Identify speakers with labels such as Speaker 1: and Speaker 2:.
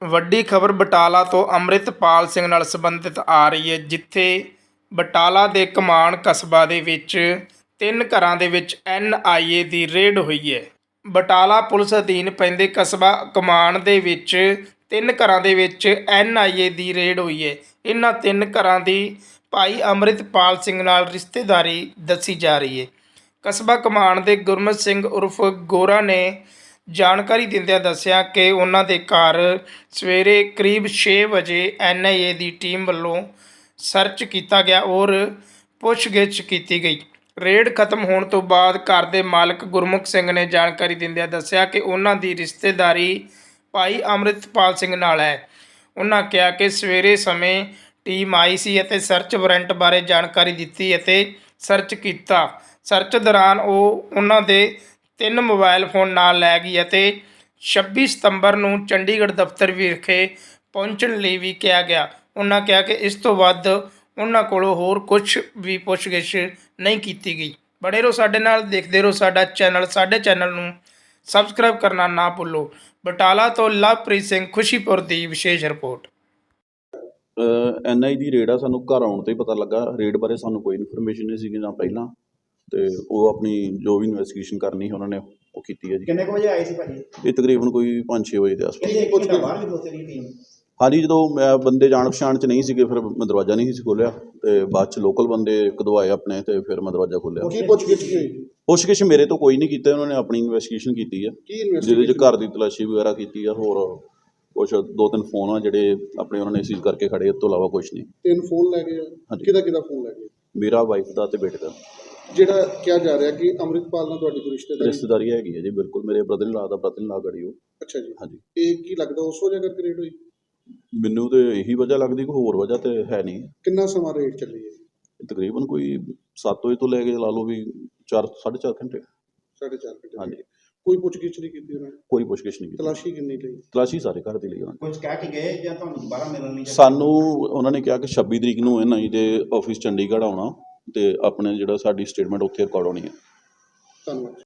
Speaker 1: ਵੱਡੀ ਖਬਰ ਬਟਾਲਾ ਤੋਂ ਅੰਮ੍ਰਿਤਪਾਲ ਸਿੰਘ ਨਾਲ ਸੰਬੰਧਿਤ ਆ ਰਹੀ ਹੈ, ਜਿੱਥੇ ਬਟਾਲਾ ਦੇ ਕਮਾਣ ਕਸਬਾ ਦੇ ਵਿੱਚ 3 ਘਰਾਂ ਦੇ ਵਿੱਚ NIA ਦੀ ਰੇਡ ਹੋਈ ਹੈ। ਬਟਾਲਾ ਪੁਲਿਸ ਅਧੀਨ ਪੈਂਦੇ ਕਸਬਾ ਕਮਾਣ ਦੇ ਵਿੱਚ 3 ਘਰਾਂ ਦੇ ਵਿੱਚ NIA ਦੀ ਰੇਡ ਹੋਈ ਹੈ। ਇਹਨਾਂ 3 ਘਰਾਂ ਦੀ ਭਾਈ ਅੰਮ੍ਰਿਤਪਾਲ ਸਿੰਘ ਨਾਲ ਰਿਸ਼ਤੇਦਾਰੀ ਦੱਸੀ ਜਾ ਰਹੀ ਹੈ। ਕਸਬਾ ਕਮਾਣ ਦੇ ਗੁਰਮਤ ਸਿੰਘ ਉਰਫ ਗੋਰਾ ਨੇ ਜਾਣਕਾਰੀ ਦਿੰਦਿਆਂ ਦੱਸਿਆ ਕਿ ਉਹਨਾਂ ਦੇ ਘਰ ਸਵੇਰੇ ਕਰੀਬ 6 ਵਜੇ NIA ਦੀ ਟੀਮ ਵੱਲੋਂ ਸਰਚ ਕੀਤਾ ਗਿਆ ਔਰ ਪੁੱਛਗਿੱਛ ਕੀਤੀ ਗਈ। ਰੇਡ ਖਤਮ ਹੋਣ ਤੋਂ ਬਾਅਦ ਘਰ ਦੇ ਮਾਲਕ ਗੁਰਮੁਖ ਸਿੰਘ ਨੇ ਜਾਣਕਾਰੀ ਦਿੰਦਿਆਂ ਦੱਸਿਆ ਕਿ ਉਹਨਾਂ ਦੀ ਰਿਸ਼ਤੇਦਾਰੀ ਭਾਈ ਅੰਮ੍ਰਿਤਪਾਲ ਸਿੰਘ ਨਾਲ ਹੈ। ਉਹਨਾਂ ਕਿਹਾ ਕਿ ਸਵੇਰੇ ਸਮੇਂ ਟੀਮ ਆਈ ਸੀ ਅਤੇ ਸਰਚ ਵਾਰੰਟ ਬਾਰੇ ਜਾਣਕਾਰੀ ਦਿੱਤੀ ਅਤੇ ਸਰਚ ਕੀਤਾ। ਸਰਚ ਦੌਰਾਨ ਉਹਨਾਂ ਦੇ 3 ਮੋਬਾਈਲ ਫੋਨ ਨਾਲ ਲੈ ਗਈ ਅਤੇ 26 ਸਤੰਬਰ ਨੂੰ ਚੰਡੀਗੜ੍ਹ ਦਫ਼ਤਰ ਵਿਖੇ ਪਹੁੰਚਣ ਲਈ ਵੀ ਕਿਹਾ ਗਿਆ। ਉਹਨਾਂ ਕਿਹਾ ਕਿ ਇਸ ਤੋਂ ਵੱਧ ਉਹਨਾਂ ਕੋਲੋਂ ਹੋਰ ਕੁਝ ਵੀ ਪੁੱਛਗਿੱਛ ਨਹੀਂ ਕੀਤੀ ਗਈ। ਬਣੇ ਰਹੋ ਸਾਡੇ ਨਾਲ, ਦੇਖਦੇ ਰਹੋ ਸਾਡਾ ਚੈਨਲ। ਸਾਡੇ ਚੈਨਲ ਨੂੰ ਸਬਸਕ੍ਰਾਈਬ ਕਰਨਾ ਨਾ ਭੁੱਲੋ। ਬਟਾਲਾ ਤੋਂ ਲਵਪ੍ਰੀਤ ਸਿੰਘ, ਖੁਸ਼ੀਪੁਰ ਦੀ ਵਿਸ਼ੇਸ਼ ਰਿਪੋਰਟ।
Speaker 2: NIA ਦੀ ਰੇਡ ਆ, ਸਾਨੂੰ ਘਰ ਆਉਣ 'ਤੇ ਹੀ ਪਤਾ ਲੱਗਾ। ਰੇਡ ਬਾਰੇ ਸਾਨੂੰ ਕੋਈ ਇਨਫੋਰਮੇਸ਼ਨ ਨਹੀਂ ਸੀਗੀ ਨਾ ਪਹਿਲਾਂ, ਅਤੇ ਉਹ ਆਪਣੀ ਜੋ ਵੀ ਇਨਵੈਸਟੀਗੇਸ਼ਨ ਕਰਨੀ ਉਹਨਾਂ ਨੇ ਉਹ ਕੀਤੀ ਹੈ ਜੀ।
Speaker 3: ਕਿੰਨੇ ਕੁ ਵਜੇ ਆਏ ਸੀ ਭਾਜੀ?
Speaker 2: ਇਹ ਤਕਰੀਬਨ ਕੋਈ 5-6 ਵਜੇ ਦੇ ਆਸ-ਪਾਸ।
Speaker 3: ਬਾਹਰ ਵੀ ਦੋਸਤ ਦੀ ਟੀਮ?
Speaker 2: ਹਾਂਜੀ, ਜਦੋਂ ਮੈਂ ਬੰਦੇ ਜਾਣ ਪਛਾਣ 'ਚ ਨਹੀਂ ਸੀਗੇ, ਫਿਰ ਮੈਂ ਦਰਵਾਜ਼ਾ ਨਹੀਂ ਸੀ ਖੋਲ੍ਹਿਆ, ਅਤੇ ਬਾਅਦ 'ਚ ਲੋਕਲ ਬੰਦੇ ਕਢਵਾਏ ਆਪਣੇ, ਅਤੇ ਫਿਰ ਮੈਂ ਦਰਵਾਜ਼ਾ ਖੋਲ੍ਹਿਆ।
Speaker 3: ਕੀ ਪੁੱਛਗਿੱਛ ਹੋਈ?
Speaker 2: ਪੁੱਛਗਿੱਛ ਮੇਰੇ ਤੋਂ ਕੋਈ ਨਹੀਂ ਕੀਤਾ, ਉਹਨਾਂ ਨੇ ਆਪਣੀ ਇਨਵੈਸਟੀਗੇਸ਼ਨ ਕੀਤੀ ਆ, ਜਿਹਦੇ 'ਚ ਘਰ ਦੀ ਤਲਾਸ਼ੀ ਵਗੈਰਾ ਕੀਤੀ ਆ। ਹੋਰ ਕੁਛ 2-3 ਫੋਨ ਆ ਜਿਹੜੇ ਆਪਣੇ ਉਹਨਾਂ ਨੇ ਸੀਜ਼ ਕਰਕੇ ਖੜੇ, ਇਸ ਤੋਂ ਇਲਾਵਾ ਕੁਛ ਨਹੀਂ।
Speaker 4: 3 ਫੋਨ ਲੈ ਗਏ ਆ?
Speaker 2: ਹਾਂਜੀ।
Speaker 4: ਕਿਹਦਾ ਫੋਨ ਲੈ ਗਏ?
Speaker 2: ਮੇਰਾ ਵਾਈਫ ਦਾ ਅਤੇ ਬੇਟੇ ਦਾ।
Speaker 4: ਜਿਹੜਾ ਕਿਹਾ ਜਾ ਰਿਹਾ ਕਿ ਅੰਮ੍ਰਿਤਪਾਲ ਨਾਲ ਤੁਹਾਡੀ ਕੋਈ
Speaker 2: ਰਿਸ਼ਤੇਦਾਰੀ ਹੈਗੀ ਹੈ ਜੀ, ਬਿਲਕੁਲ। ਮੇਰੇ ਬ੍ਰਦਰ ਇਨ ਲਾ ਦਾ ਬ੍ਰਦਰ ਇਨ ਲਾ ਗੜੀ ਉਹ।
Speaker 4: ਅੱਛਾ ਜੀ।
Speaker 2: ਹਾਂਜੀ।
Speaker 4: ਇਹ ਕੀ ਲੱਗਦਾ ਉਸ ਵਜ੍ਹਾ ਕਰਕੇ ਰੇਡ ਹੋਈ?
Speaker 2: ਮੈਨੂੰ ਤਾਂ ਇਹੀ ਵਜ੍ਹਾ ਲੱਗਦੀ, ਕੋਈ ਹੋਰ ਵਜ੍ਹਾ ਤਾਂ ਹੈ ਨਹੀਂ।
Speaker 4: ਕਿੰਨਾ ਸਮਾਂ ਰੇਡ ਚੱਲੀ ਹੈ?
Speaker 2: ਤਕਰੀਬਨ ਕੋਈ 7 ਵਜੇ ਤੋਂ ਲੈ ਕੇ ਲਾ ਲਓ ਵੀ 4-4.5 ਘੰਟੇ।
Speaker 4: 4.5 ਘੰਟੇ।
Speaker 2: ਹਾਂਜੀ।
Speaker 4: ਕੋਈ ਪੁੱਛਗਿੱਛ ਨਹੀਂ ਕੀਤੀ ਉਹਨਾਂ ਨੇ?
Speaker 2: ਕੋਈ ਪੁੱਛਗਿੱਛ ਨਹੀਂ ਕੀਤੀ।
Speaker 4: ਤਲਾਸ਼ੀ ਕਿੰਨੀ ਲਈ?
Speaker 2: ਤਲਾਸ਼ੀ ਸਾਰੇ ਘਰ ਦੀ ਲਈ ਉਹਨਾਂ ਨੇ।
Speaker 3: ਕੁਝ ਕਹਿ ਕੇ ਗਏ ਜਾਂ ਤੁਹਾਨੂੰ ਦੁਬਾਰਾ ਮਿਲਣ ਲਈ?
Speaker 2: ਸਾਨੂੰ ਉਹਨਾਂ ਨੇ ਕਿਹਾ ਕਿ 26 ਤਰੀਕ ਨੂੰ NIA ਦੇ ਆਫਿਸ ਚੰਡੀਗੜ੍ਹ ਆਉਣਾ, ਅਤੇ ਆਪਣੇ ਜਿਹੜਾ ਸਾਡੀ ਸਟੇਟਮੈਂਟ ਉੱਥੇ ਰਿਕਾਰਡ ਹੋਣੀ ਹੈ।
Speaker 4: ਧੰਨਵਾਦ।